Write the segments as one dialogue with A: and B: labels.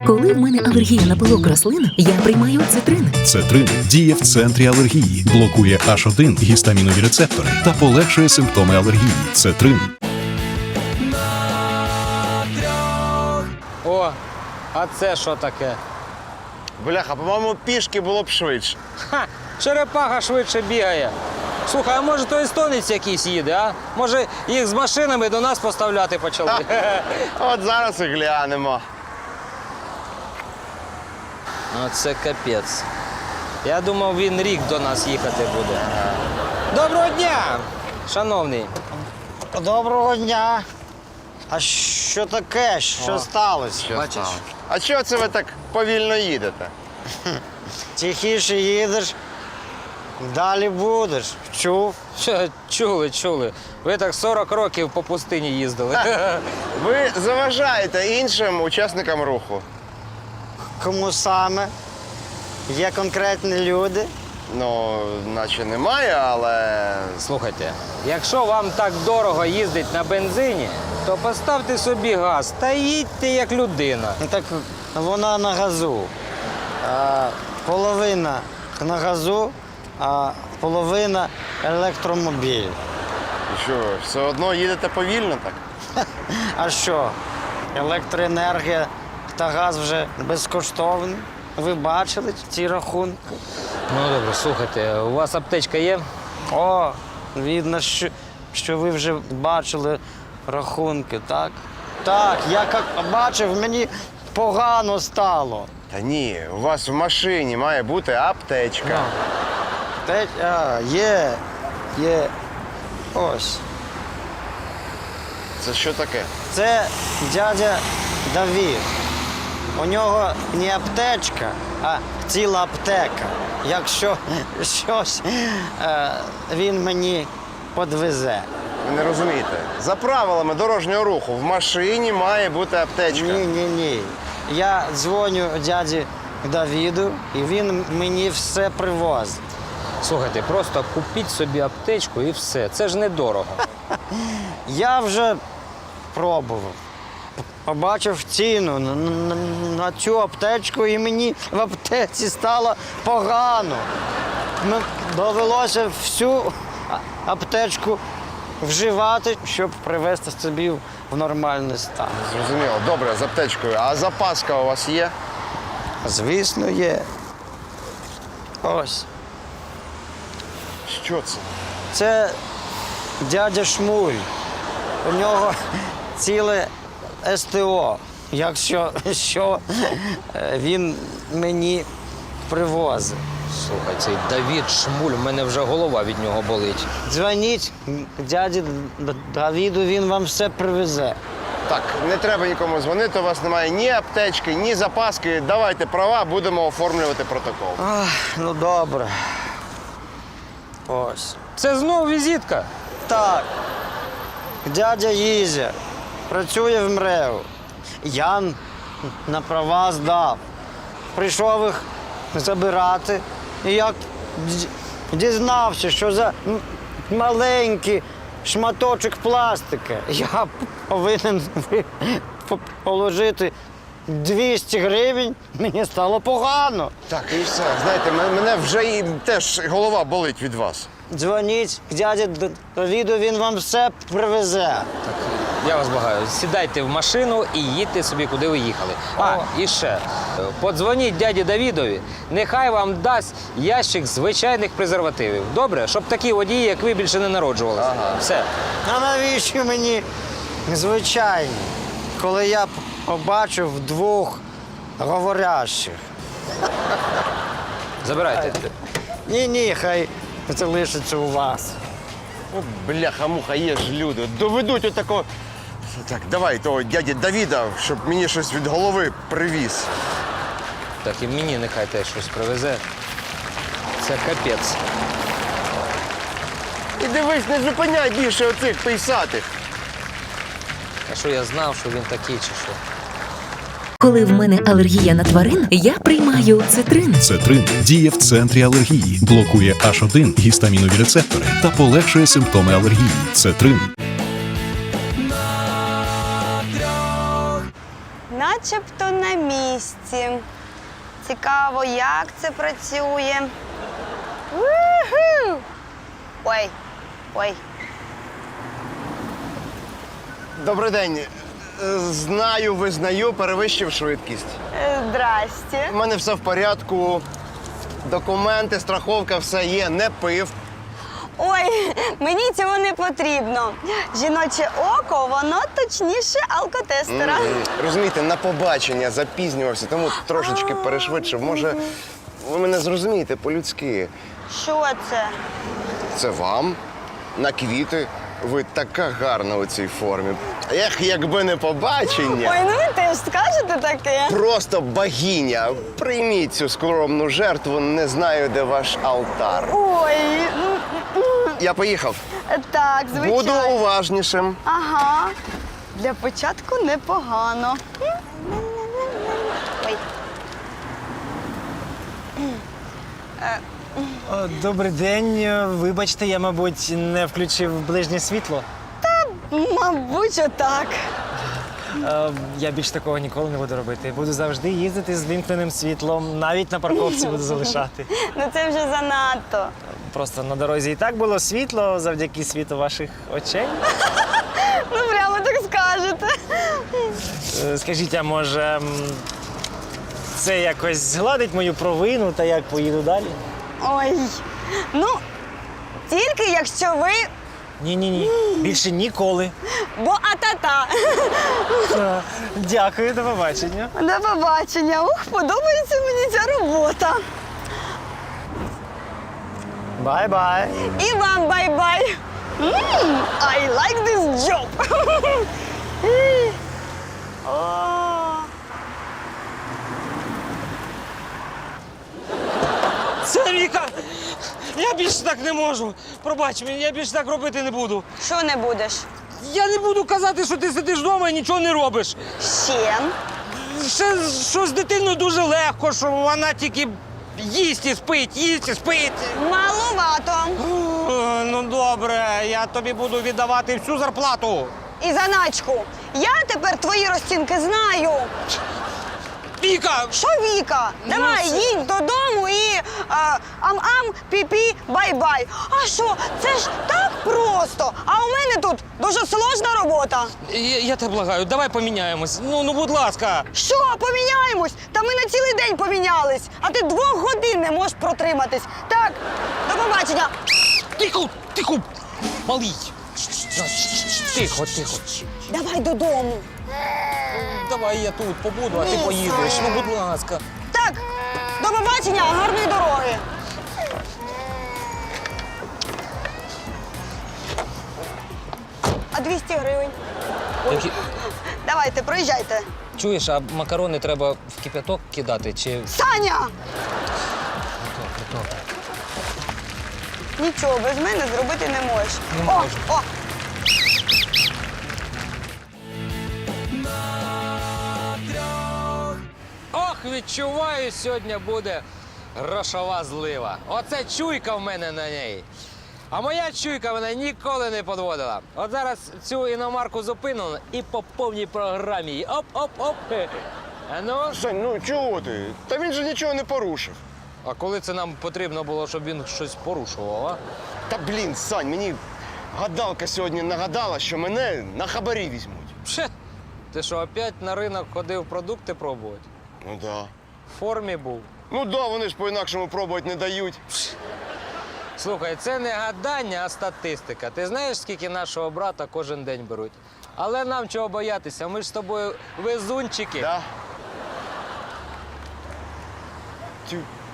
A: Коли в мене алергія на пилок рослин, я приймаю цитрин.
B: Цетрин діє в центрі алергії, блокує H1 гістамінові рецептори та полегшує симптоми алергії. Цетрин.
C: О, а це що таке?
D: Бляха, по-моєму, пішки було б швидше.
C: Ха, черепаха швидше бігає. Слухай, а може то естонець якийсь їде, а? Може їх з машинами до нас поставляти почали?
D: От зараз і глянемо.
C: Оце капець. Я думав, він рік до нас їхати буде. Доброго дня, шановний.
E: Доброго дня. А що таке? Що сталося?
C: Бачиш?
D: А чого це ви так повільно їдете?
E: Тихіше їдеш, далі будеш. Чув?
C: Що, чули. Ви так 40 років по пустині їздили.
D: Ви заважаєте іншим учасникам руху.
E: Кому саме? Є конкретні люди?
D: Ну, наче немає, але...
C: Слухайте, якщо вам так дорого їздить на бензині, то поставте собі газ та їдьте як людина.
E: Ну так вона на газу. Половина на газу, а половина електромобіль.
D: І що, все одно їдете повільно так?
E: А що? Електроенергія та газ вже безкоштовні. Ви бачили ці рахунки?
C: Ну добре, слухайте, у вас аптечка є?
E: О, видно, що ви вже бачили рахунки, так? Так, я як бачив, мені погано стало.
D: Та ні, у вас в машині має бути аптечка.
E: Є. Ось.
D: Це що таке?
E: Це дядя Давід. У нього не аптечка, а ціла аптека. Якщо щось, він мені підвезе.
D: Ви не розумієте. За правилами дорожнього руху в машині має бути аптечка.
E: Ні. Я дзвоню дяді Давіду, і він мені все привозить.
C: Слухайте, просто купіть собі аптечку і все. Це ж недорого.
E: Я вже пробував. Побачив ціну на цю аптечку, і мені в аптеці стало погано. Довелося всю аптечку вживати, щоб привести собі в нормальний стан.
D: Зрозуміло. Добре, з аптечкою. А запаска у вас є?
E: Звісно, є. Ось.
D: Що це?
E: Це дядя Шмуль. У нього ціле СТО. Якщо що, він мені привозить.
C: Слухай, цей Давід Шмуль, в мене вже голова від нього болить.
E: Дзвоніть дяді Давіду, він вам все привезе.
D: Так, не треба нікому дзвонити, у вас немає ні аптечки, ні запаски. Давайте права, будемо оформлювати протокол.
E: Ах, ну добре. Ось.
C: Це знову візитка.
E: Так. Дядя Ізя працює в МРЕО. Я на права здав. Прийшов їх забирати. І як дізнався, що за маленький шматочок пластика я повинен положити 200 гривень, мені стало погано.
D: Так, і все. Знаєте, мене вже і теж голова болить від вас.
E: Дзвоніть дяді Давіду, він вам все привезе.
C: Я вас благаю, сідайте в машину і їдьте собі, куди ви їхали. А, і ще, подзвоніть дяді Давідові, нехай вам дасть ящик звичайних презервативів. Добре? Щоб такі водії, як ви, більше не народжувалися.
D: Ага.
C: Все.
E: А навіщо мені звичайні, коли я побачив двох говорящих?
C: Забирайте.
E: Ні, хай це лишиться у вас.
D: О, бляха-муха, є ж люди. Доведуть отако. Так, давай того дяді Давіда, щоб мені щось від голови привіз.
C: Так і мені нехай теж щось привезе. Це капець.
D: І дивись, не зупиняй більше оцих пейсатих.
C: А що я знав, що він такий чи що?
A: Коли в мене алергія на тварин, я приймаю цитрин.
B: Цетрин діє в центрі алергії, блокує H1 гістамінові рецептори та полегшує симптоми алергії. Цетрин.
F: На начебто на місці. Цікаво, як це працює. Уху! Ой, ой.
D: Добрий день. Знаю, визнаю, перевищив швидкість.
F: Здрасте.
D: У мене все в порядку. Документи, страховка, все є, не пив.
F: Ой, мені цього не потрібно. Жіноче око, воно точніше алкотестера.
D: Розумієте, на побачення запізнювався, тому трошечки перешвидшив. Може, ви мене зрозумієте по-людськи.
F: Що це?
D: Це вам на квіти. Ви така гарна у цій формі. Ех, якби не побачення.
F: Ой, ну ви теж скажете таке.
D: Просто богиня. Прийміть цю скромну жертву, не знаю, де ваш алтар.
F: Ой,
D: Я поїхав.
F: так, звичайно.
D: Буду уважнішим.
F: Ага. Для початку непогано. Ой.
E: Добрий день. Вибачте, я, мабуть, не включив ближнє світло.
F: Мабуть, отак.
E: Я більш такого ніколи не буду робити. Буду завжди їздити з вімкненим світлом, навіть на парковці буду залишати.
F: Ну це вже занадто.
E: Просто на дорозі і так було світло завдяки світу ваших очей.
F: Ну прямо так скажете.
E: Скажіть, а може це якось згладить мою провину та як поїду далі?
F: Ой. Ну, тільки якщо ви.
E: Ні. Більше ніколи.
F: Бо атата.
E: Дякую, до побачення.
F: До побачення. Ух, подобається мені ця робота.
E: Бай-бай.
F: І вам бай-бай. I like this job. О.
C: Це Віка! Я більше так не можу. Пробач мені, я більше так робити не буду.
F: Що не будеш?
C: Я не буду казати, що ти сидиш вдома і нічого не робиш.
F: Ще?
C: Ще що з дитиною дуже легко, що вона тільки їсть і спить.
F: Маловато.
C: Ну добре, я тобі буду віддавати всю зарплату.
F: І заначку. Я тепер твої розцінки знаю.
C: Віка!
F: Що, Віка? Давай,
C: все.
F: їдь додому і ам-ам, пі-пі, бай-бай. А що, це ж так просто. А у мене тут дуже сложна робота.
C: Я тебе благаю, давай поміняємось. Ну, будь ласка.
F: Що, поміняємось? Та ми на цілий день помінялись, а ти 2 годин не можеш протриматись. Так, до побачення.
C: Тихо, малий. Тихо.
F: Давай додому.
C: Давай я тут побуду, а ти поїдеш. Ну, будь ласка.
F: Так, до побачення, гарної дороги. А 200 гривень? Давайте, проїжджайте.
C: Чуєш, а макарони треба в кип'яток кидати чи.
F: Саня! Нічого, без мене зробити не можеш.
C: Не можу.
F: О!
C: Ох, відчуваю, сьогодні буде грошова злива. Оце чуйка в мене на неї. А моя чуйка мене ніколи не підводила. От зараз цю іномарку зупинили і по повній програмі її оп-оп-оп. А ну?
D: Сань, ну чого ти? Та він же нічого не порушив.
C: А коли це нам потрібно було, щоб він щось порушував, а?
D: Та блін, Сань, мені гадалка сьогодні нагадала, що мене на хабарі візьмуть.
C: Пше, ти що, опять на ринок ходив продукти пробувати?
D: Ну да.
C: В формі був.
D: Ну да, вони ж по-інакшому пробувати не дають.
C: Слухай, це не гадання, а статистика. Ти знаєш, скільки нашого брата кожен день беруть? Але нам чого боятися? Ми ж з тобою везунчики.
D: Да? Тю.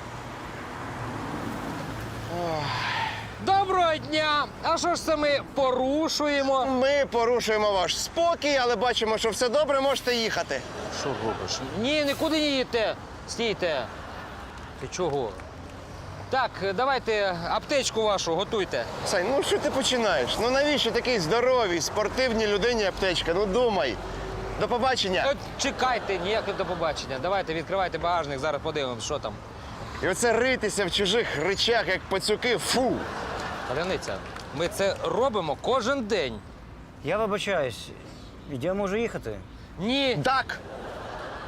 C: Доброго дня! А що ж це ми порушуємо?
D: Ми порушуємо ваш спокій, але бачимо, що все добре, можете їхати.
C: Що робиш? Ні, нікуди не їдьте. Стійте. Ти чого? Так, давайте аптечку вашу готуйте.
D: Сань, ну що ти починаєш? Ну навіщо такий здоровій, спортивній людині аптечка? Ну думай. До побачення.
C: От чекайте, ніяке до побачення. Давайте, відкривайте багажник, зараз подивимось, що там.
D: І оце ритися в чужих речах, як пацюки, фу.
C: Паляниця, ми це робимо кожен день.
E: Я вибачаюсь. Я можу їхати.
C: Ні.
D: Так.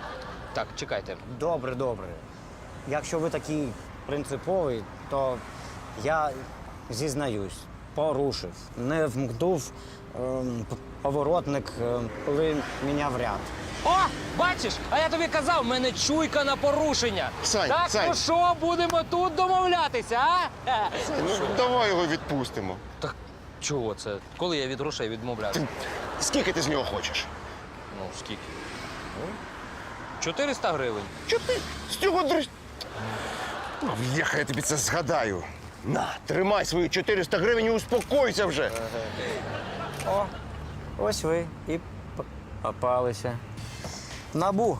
C: Так, чекайте.
E: Добре, добре. Якщо ви такий принциповий, то я зізнаюсь, порушив. Не вмкнув поворотник, коли міняв ряд.
C: О, бачиш, а я тобі казав, в мене чуйка на порушення.
D: Сань,
C: так,
D: Сань.
C: ну що, будемо тут домовлятися, а?
D: Ну, давай його відпустимо.
C: Так чого це? Коли я від грошей відмовлявся?
D: Скільки ти з нього хочеш?
C: Ну, скільки? 400 гривень.
D: Чого ти з цього дрищ? Бляха, я тобі це згадаю. На, тримай свої 400 гривень і успокойся вже.
E: О, ось ви і попалися. НАБУ.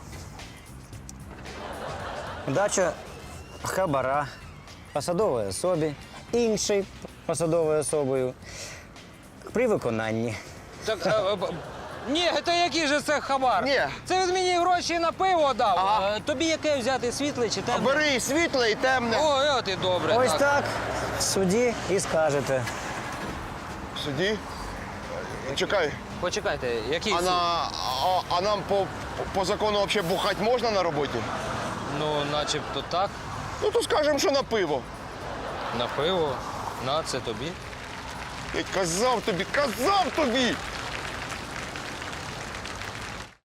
E: Дача хабара посадовій особі, іншій посадовою особою при виконанні.
C: Так, ні, то який же це хабар?
D: Ні.
C: Це він мені гроші на пиво дав. Тобі яке взяти, світле чи темне?
D: Бери світле і темне.
C: Ой, от і добре.
E: Ось так в суді і скажете.
D: В суді? Чекай,
C: Почекайте, який
D: а,
C: суд?
D: а нам по закону взагалі бухати можна на роботі?
C: Ну, начебто так,
D: Ну то скажемо, що на пиво.
C: на пиво. На, це тобі.
D: Я казав тобі!